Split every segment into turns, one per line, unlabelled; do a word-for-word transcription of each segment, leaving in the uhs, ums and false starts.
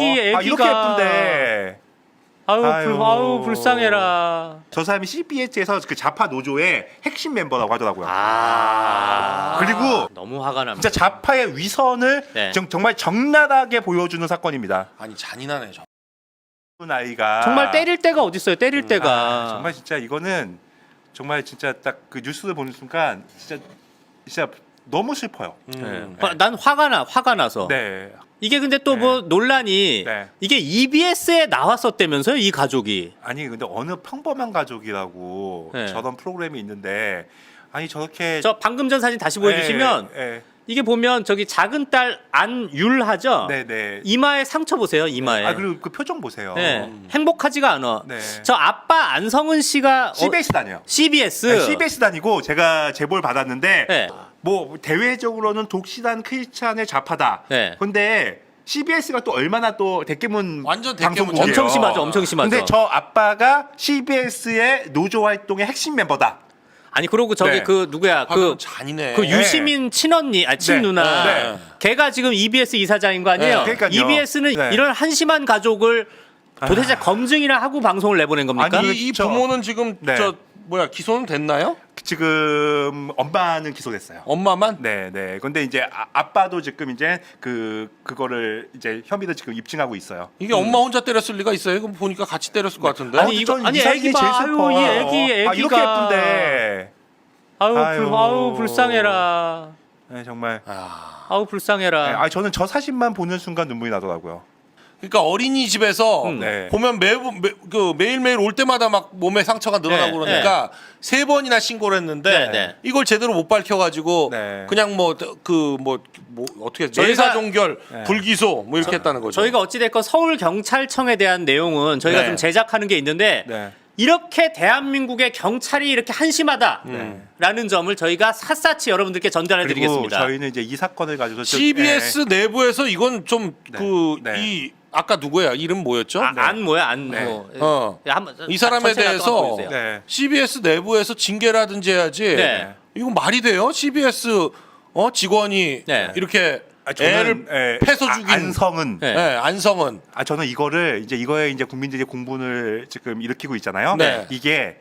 애기 애기가
아, 이렇게 예쁜데.
아유,
아유.
불, 아유 불쌍해라.
저 사람이 씨비에스에서 그 좌파 노조의 핵심 멤버라고 하더라고요.
아
그리고
너무 화가 납니다.
진짜 좌파의 위선을
네.
정, 정말 적나라하게 보여주는 사건입니다.
아니 잔인하네 저.
아이가
정말 때릴 때가 어디 있어요? 때릴 때가
아, 정말 진짜 이거는 정말 진짜 딱 그 뉴스를 보는 순간 진짜 진짜 너무 슬퍼요.
음.
네. 난 화가 나 화가 나서.
네.
이게 근데 또 뭐
네.
논란이
네.
이게 이비에스에 나왔었다면서요, 이 가족이.
아니 근데 어느 평범한 가족이라고
네.
저런 프로그램이 있는데 아니 저렇게
저 방금 전 사진 다시 보여주시면
네,
이게 보면 저기 작은 딸 안율하죠.
네, 네.
이마에 상처 보세요, 이마에.
아 그리고 그 표정 보세요.
네. 행복하지가 않아.
네.
저 아빠 안성은 씨가
씨비에스 다녀요.
씨비에스.
네, 씨비에스 다니고 제가 제보를 받았는데
네.
뭐 대외적으로는 독실한 크리스찬의 좌파다.
네.
근데 씨비에스가 또 얼마나 또 대깨문
완전 대깨문
방송국이에요.
엄청 심하죠, 엄청 심하죠.
근데 저 아빠가 씨비에스의 노조 활동의 핵심 멤버다.
아니 그러고 저기
네.
그 누구야
그
그
잔인해.
그 유시민 친언니, 아 친누나,
네.
걔가 지금 이비에스 이사장인 거 아니에요?
네.
그러니까요.
이비에스는
네.
이런 한심한 가족을 도대체 검증이나 하고 방송을 내보낸 겁니까?
아니,
이, 이
저-
부모는 지금
네.
저 뭐야 기소는 됐나요?
지금 엄마는 기소됐어요.
엄마만?
네, 네. 근데 이제 아, 아빠도 지금 이제 그 그거를 이제 혐의를 지금 입증하고 있어요.
이게 엄마 혼자 때렸을 리가 있어요? 이거 보니까 같이 때렸을 것 같은데.
아니, 이거-
전
아니,
이 사진이
애기 봐.
제일 슬퍼.
아유, 이 애기,
아, 이렇게
애기가.
예쁜데.
아유,
아유.
불, 아유 불쌍해라.
네, 정말.
아,
아유
네,
불쌍해라.
아, 저는 저 사진만 보는 순간 눈물이 나더라고요.
그러니까 어린이집에서
음.
네.
보면 매, 매, 그 매일매일 올 때마다 막 몸에 상처가 늘어나고
네,
그러니까 세 번이나 신고를 했는데
네, 네.
이걸 제대로 못 밝혀가지고
네.
그냥 뭐 그 뭐 뭐 어떻게
저희가-
내사종결
네.
불기소 뭐 이렇게 했다는 거죠.
저희가 어찌됐건 서울 경찰청에 대한 내용은 저희가
네.
좀 제작하는 게 있는데
네.
이렇게 대한민국의 경찰이 이렇게 한심하다라는
음.
점을 저희가 샅샅이 여러분들께
그리고
전달해드리겠습니다.
저희는 이제 이 사건을 가지고 저-
씨비에스 내부에서 이건 좀 그 이
네.
아까 누구야 이름 뭐였죠?
아, 안 뭐야 안
네.
뭐.
어.
야, 한번
이 사람에
전체
대해서
나도 한번 보여주세요.
네.
씨비에스 내부에서 징계라든지 해야지.
네.
이거 말이 돼요? 씨비에스 어 직원이
네.
이렇게
아, 저는,
애를
예,
패서
아,
죽인
안성은
네.
네, 안성은
아 저는 이거를 이제 이거에 이제 국민들이 공분을 지금 일으키고 있잖아요.
네.
이게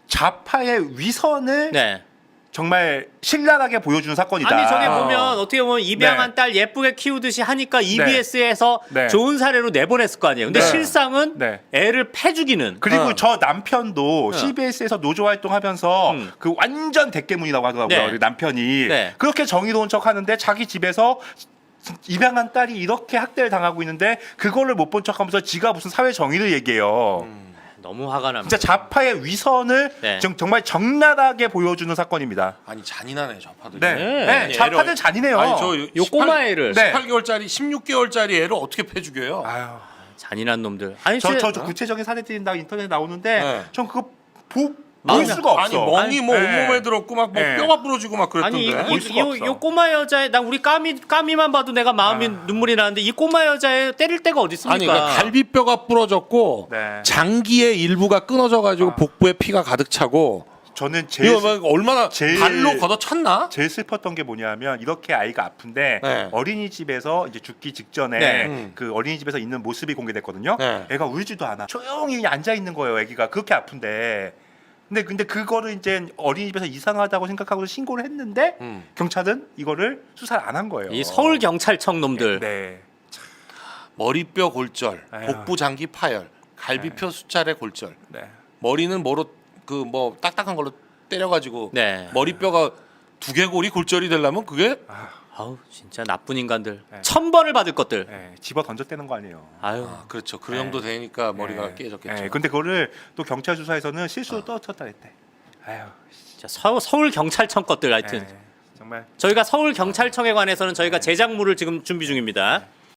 좌파의 위선을
네.
정말 신랄하게 보여주는 사건이다.
아니 저게
아.
보면 어떻게 보면 입양한
네.
딸 예쁘게 키우듯이 하니까 이비에스에서
네.
좋은 사례로 내보냈을 거 아니에요. 근데
네.
실상은
네.
애를 패 죽이는.
그리고
어.
저 남편도
어.
씨비에스에서 노조 활동하면서
음.
그 완전 대깨문이라고 하더라고요.
네.
우리 남편이
네.
그렇게 정의로운 척하는데 자기 집에서 입양한 딸이 이렇게 학대를 당하고 있는데 그거를 못 본 척하면서 지가 무슨 사회 정의를 얘기해요.
너무 화가 납니다.
진짜 좌파의 위선을
네.
정, 정말 적나라하게 보여주는 사건입니다.
아니 잔인하네 좌파들이.
네,
네.
네,
아니,
좌파들
애를-
잔인해요.
아니 저
요 꼬마 애를
네.
십팔 개월짜리 십육 개월짜리 애를 어떻게 패 죽여요?
아유,
잔인한 놈들. 아니
저,
진짜-
저, 저 구체적인 사례 드린다고 인터넷에 나오는데
네.
전 그거 보,
마음이-
볼 수가 없어.
아니 멍이 뭐
네.
온몸에 들었고 막 뭐
네.
뼈가 부러지고 막 그랬던데.
아니 이,
볼
이,
수가
이,
없어.
요 꼬마 여자애 난 우리 까미 까미만 봐도 내가 마음이 눈물이 나는데 이 꼬마 여자애 때릴 데가 어디 있습니까?
아니 그러니까 갈비뼈가 부러졌고
네.
장기의 일부가 끊어져 가지고
아.
복부에 피가 가득 차고
저는 제일
이거 막 얼마나
제일-
발로 걷어찼나?
제일 슬펐던 게 뭐냐면 이렇게 아이가 아픈데
네.
어린이집에서 이제 죽기 직전에
네.
음.
그 어린이집에서 있는 모습이 공개됐거든요.
네.
애가 울지도 않아. 조용히 그냥 앉아 있는 거예요. 애기가 그렇게 아픈데. 근데 근데 그거를 이제 어린이집에서 이상하다고 생각하고 신고를 했는데
음.
경찰은 이거를 수사를 안 한 거예요.
이 서울 경찰청 놈들.
네.
머리뼈 골절,
아유.
복부 장기 파열, 갈비뼈 수차례 골절.
네.
머리는 뭐로 그 뭐 딱딱한 걸로 때려가지고
네.
머리뼈가 두개골이 골절이 되려면 그게
아우 진짜 나쁜 인간들.
네.
천벌을 받을 것들.
네. 집어 던졌다는 거 아니에요.
아유.
아, 그렇죠. 그
네.
정도 되니까 머리가
네.
깨졌겠죠.
네. 근데 그거를 또 경찰 수사에서는 실수로 떨어졌다 했대. 아유.
진짜 서, 서울 경찰청 것들 하여튼.
네. 정말
저희가 서울 경찰청에 관해서는 저희가 제작물을 지금 준비 중입니다.